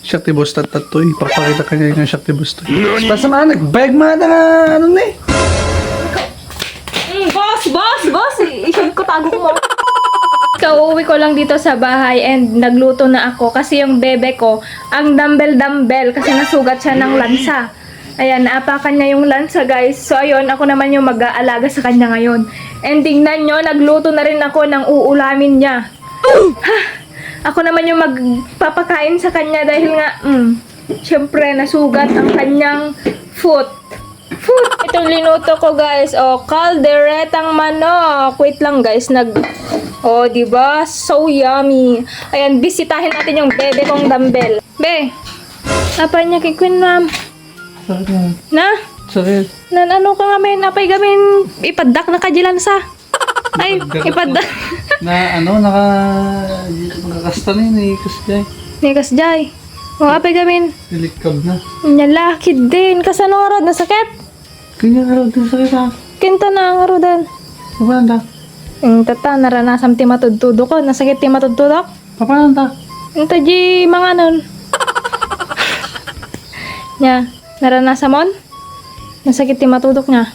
Shakti boss tatatoy. Papakita ka niya yung Shakti boss to. Basta mga nagbayag mga na ano na eh. Boss! I-shade ko, tago ko mo. Kauwi ko lang dito sa bahay and nagluto na ako kasi yung bebe ko, ang dumbbell kasi nasugat siya ng lansa. Ayan, naapakan niya yung lansa guys. So ayun, ako naman yung mag-aalaga sa kanya ngayon. And tingnan nyo, nagluto na rin ako ng uulamin niya. Ako naman yung magpapakain sa kanya dahil nga, syempre nasugat ang kanyang foot. Itong linuto ko guys, kalderetang manok. Wait lang guys, diba? So yummy. Ayan, bisitahin natin yung bebe kong dumbbell. Be, apa niya kay Queen Ma'am? Sakit na. Na? Sakit. Ano ka nga men? Apay gamin, ipadak na kajilan sa. Ay, ipadak. Na nakakasta na yun eh. Kasi Nikas jay. Apay gamin. nilikab na. Nyalakid din. Kasano nga rod na sakit? Ganyan araw din sakit ha. Kinta na nga rodan. Papananda. Tata, naranasam ti matudtudo ko. Nasakit ti matudtudok. Papananda. Taji mga nun. Nya, naranasan mon? Nasakit ti matudok niya.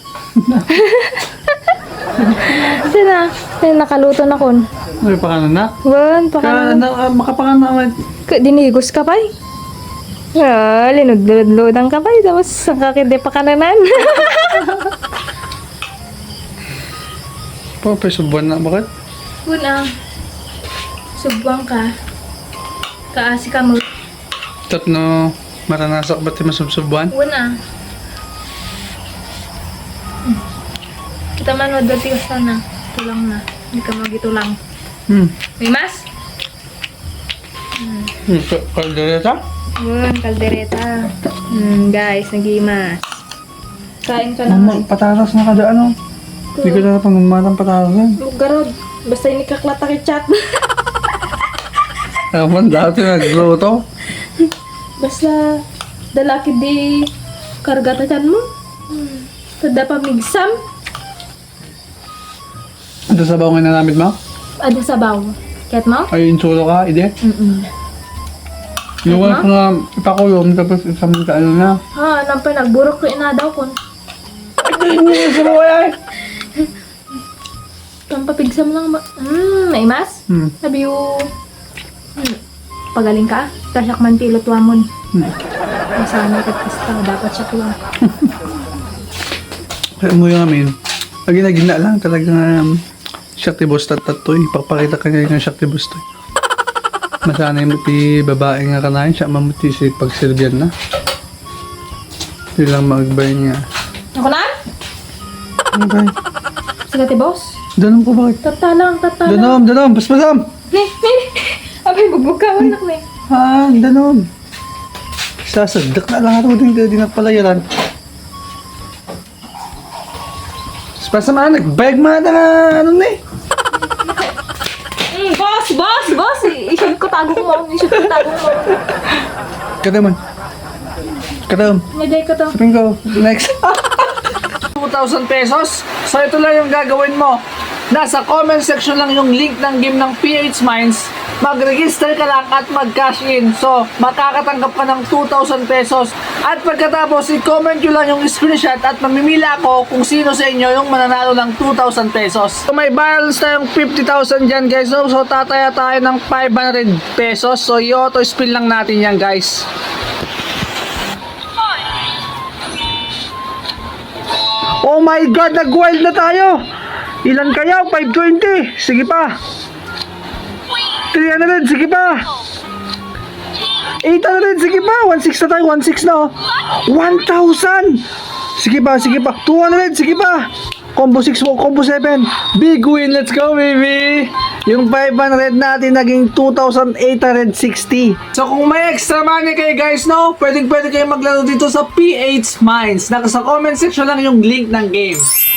Sina, nakaluto na kon. May pakanan na. Wan, pakanan. Makapakan na. Dinigos ka pa linudludang ka pa tapos sakakit di pakananan. Pwede subuan na. Bakit? Una, subuang ka. Kaasi ka mo. Tatno, maranasak ba't yung masubsubuan? Una. Kita man wadwa tigas na. Tulang na. Hindi ka magitulang. May mas? Kaldereta? Kaldereta. Guys, nagimas. Kain ka na. Mama, patatas na kada ano. Hindi ko na pangmamatang patatas yan. Garod. Basta yung nikaklata kay chat. Ewan, dati nagluto. Basta dalaki di kargatakan mo. Tada pa migsam. Ito sa bawang nanamit mo? Ada sabaw. Ket mo? Ay, insulo ka, ide. Yung wala ko nga ipakulong, tapos isang ka ano na. Ha, nampay nagburok ko inadaw kon. Hindi sa bawang ay! Pampapigsam lang ba? May mas? Sabi yung... Pagaling ka? Kasyak man pilot wamon. Masama ka kasta, dapat siya ko lang. Kaya mo yung amin. Lagi na gina lang talaga Shakti boss tatatoy. Papakita ka niya yung Shakti boss to. Masanay mo ti babae nga kanayin siya mamuti si pagsilbihan na. Hindi lang magbay niya. Ako na? Ano ba? Sige ti boss. Danom ko bakit? Tata lang. Danom! Paspadam! Ne. Abay, bugbog ka anak ne. Danom! Sasadak na lang ito din di nagpalayaran. Basta mga nagbayag mga na ano na eh. Boss! I-shade ko, tago ko mo. Kadam. Naday ko to. Sabihin ko, next. 2,000 pesos? So ito lang yung gagawin mo. Nasa comment section lang yung link ng game ng PH Mines. Mag-register ka lang at mag-cash in. So, makakatanggap ka ng 2,000 pesos. At pagkatapos, i-comment nyo lang yung screenshot at mamimila ako kung sino sa inyo yung mananalo ng 2,000 pesos. So, may balance tayong 50,000 dyan guys. So, tataya tayo ng 500 pesos. So, i-auto spin lang natin yan guys. Oh my God, nag-wild na tayo. Ilan kaya? 520. Sige pa. 300. Sige pa. 800. Sige pa. 1,600 na tayo. 1,600 na. 1,000. Sige pa. 200. Sige pa. Combo 6, combo 7. Big win. Let's go, baby. Yung 500 natin naging 2,860. So kung may extra money kayo guys, no? Pwede kayo maglaro dito sa PH Mines. Nasa comment section lang yung link ng game.